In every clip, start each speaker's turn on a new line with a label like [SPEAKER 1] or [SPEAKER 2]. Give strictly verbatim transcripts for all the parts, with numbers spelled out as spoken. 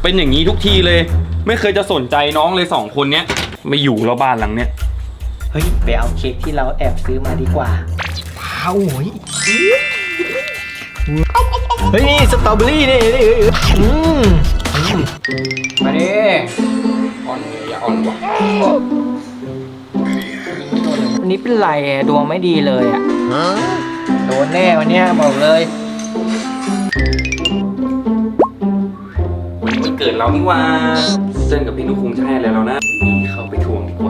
[SPEAKER 1] เป็นอย่างนี้ทุกทีเลยไม่เคยจะสนใจน้องเลยสองคนเนี้ยไม่อยู่แล้วบ้านหลังเนี้ย
[SPEAKER 2] เฮ้ยไปเอาเค้กที่เราแอบซื้อมาดีกว่าว้าวโอ้ยเฮ้ยนี่สตรอเบอรี่นี่นี่อืมมาดิ
[SPEAKER 1] อ่อนอย่าอ่อนกว่า
[SPEAKER 2] วันนี้เป็นไรดวงไม่ดีเลยอ่ะโดนแน่วันนี้บอกเลย
[SPEAKER 1] วันนี้มันเกิดเรานี่ว่าเจนกับพี่นุ๊กคงจะให้อะไรเรานะนี่เข้าไปทวงดีกว่า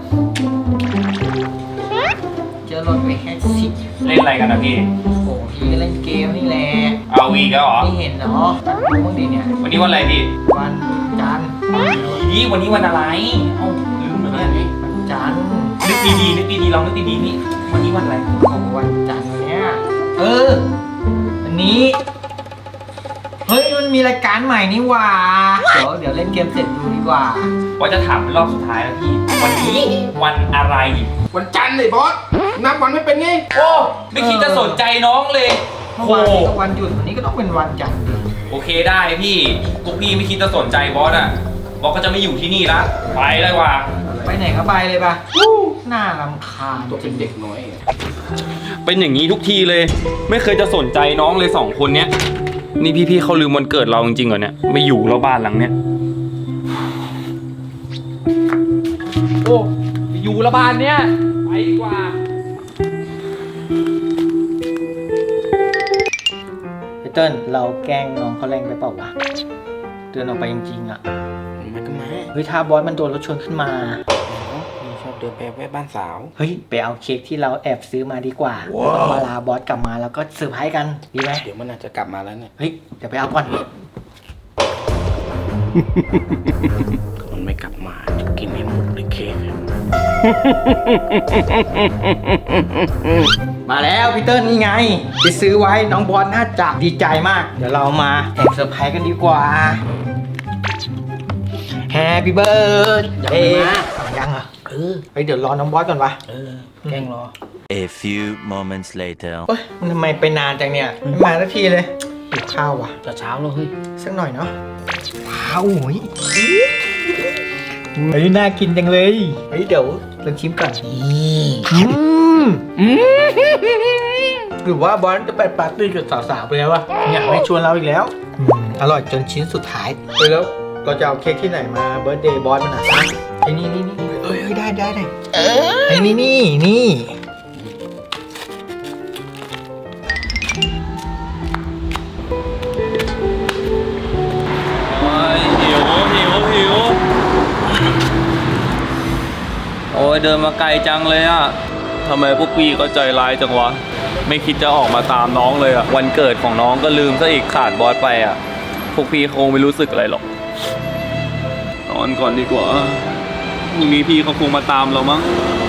[SPEAKER 2] เจอรถไปแค่สิบ
[SPEAKER 1] เล่นอะไรกันนะพี่
[SPEAKER 2] โอ้โหพี่เล่นเกมนี่แหละ
[SPEAKER 1] เอาวีก็เหรอ
[SPEAKER 2] ไม่เห็นเนาะดูบ้างดิเนี่ย
[SPEAKER 1] วันนี้วันอะไรพี่
[SPEAKER 2] วันจันทร์
[SPEAKER 1] นี่วันนี้วันอะไรเอ้าลืมเหรอเนี่ย
[SPEAKER 2] วันจันทร์
[SPEAKER 1] นึกดีๆนึกดีๆลองนึกดีๆนี่วันนี้วันอะไร
[SPEAKER 2] โอ้วันจันทร์วันเนี้ยเออวันนี้เฮ้ยมันมีรายการใหม่นี่ว่าเดี๋ยวเดี๋ยวเล่นเกมเสร็จดูดีกว่า
[SPEAKER 1] ว่าจะถามเป็นรอบสุดท้ายแล้วพี่วันนี้วันอะไร
[SPEAKER 3] วันจันทร์เลยบอสนับวันไม่เป็นไง
[SPEAKER 1] โอ้ไม่คิดจะสนใจน้องเลย
[SPEAKER 2] เมื่อวานนี้ก็วันหยุดวันนี้ก็ต้องเป็นวันจันทร์
[SPEAKER 1] โอเคได้พี่พวกพี่ไม่คิดจะสนใจบอสอ่ะบอสก็จะไม่อยู่ที่นี่ละไปเลยว่ะ
[SPEAKER 2] ไปไหนก็ไปเลยป่ะน่ารำคาญ
[SPEAKER 3] ตัวเป็นเด็กน้อย
[SPEAKER 1] เป็นอย่างนี้ทุกทีเลยไม่เคยจะสนใจน้องเลยสองคนเนี้ยนี่พี่ๆเขาลืมวันเกิดเราจริงๆเหรอเนี่ยไม่อยู่แล้วบ้านหลังเนี้ยโอ้อยู่ละบ้านเนี้ยไปดีกว่า
[SPEAKER 2] เติ้ลเราแกล้งน้องเขาแรงไปเปล่าวะเดินออกไปจริงๆอ่ะ
[SPEAKER 3] มันก็มา
[SPEAKER 2] เฮ้ยถ้าบอสมันโดนรถชนขึ้นมา
[SPEAKER 3] นี่ชอบเดินไปแวะบ้านสาว
[SPEAKER 2] เฮ้ยไปเอาเค้กที่เราแอบซื้อมาดีกว่าต้องมาลาบอสกลับมาแล้วก็เซอร์ไพรส์กันดีไหม
[SPEAKER 3] เดี๋ยวมันอาจจะกลับมาแล้วเนี่ย
[SPEAKER 2] เฮ้ยเดี๋ยวไปเอาก่อน
[SPEAKER 3] มันไม่กลับมาจะกินให้หมดเลยเค้ก
[SPEAKER 2] มาแล้วพี่เติ้ลนี่ไงไปซื้อไว้น้องบอสน่าจะดีใจมากเดี๋ยวเรามาแอบเซอร์ไพรส์กันดีกว่า Happy birthday ยังเหรอเออไปเดี๋ยวรอน้องบอสก่อนวะ
[SPEAKER 3] เออแกล้งรอ
[SPEAKER 4] A few moments later
[SPEAKER 2] เฮ้ยมันทำไมไปนานจังเนี่ยไม่มาสักทีเลยหิวข้าวว่ะ
[SPEAKER 3] จะเช้าแล้วเฮ้ย
[SPEAKER 2] สักหน่อยเนาะว้าวโอ้ยเฮ้ยน่ากินจังเลยเฮ้ยเดี๋ยวลองชิมก่อนอืมหรือว่าบอสจะไปปาร์ตี้กับสาวๆไปแล้ววะอยากไม่ชวนเราอีกแล้วอร่อยจนชิ้นสุดท้ายไปแล้วเราจะเอาเค้กที่ไหนมาเบิร์ธเดย์บอสมันอ่ะนะไอ้นี่นี่นี่เอ้ยได้ได้ได้ไอ้นี่นี่นี่
[SPEAKER 1] หิวหิวหิวโอ้ยเดินมาไกลจังเลยอ่ะทำไมพวกพี่ก็ใจร้ายจังวะไม่คิดจะออกมาตามน้องเลยอ่ะวันเกิดของน้องก็ลืมซะอีกขาดบอสไปอ่ะพวกพี่คงไม่รู้สึกอะไรหรอกนอนก่อนดีกว่าพรุ่งนี้พี่เขาคงมาตามเรามั้ง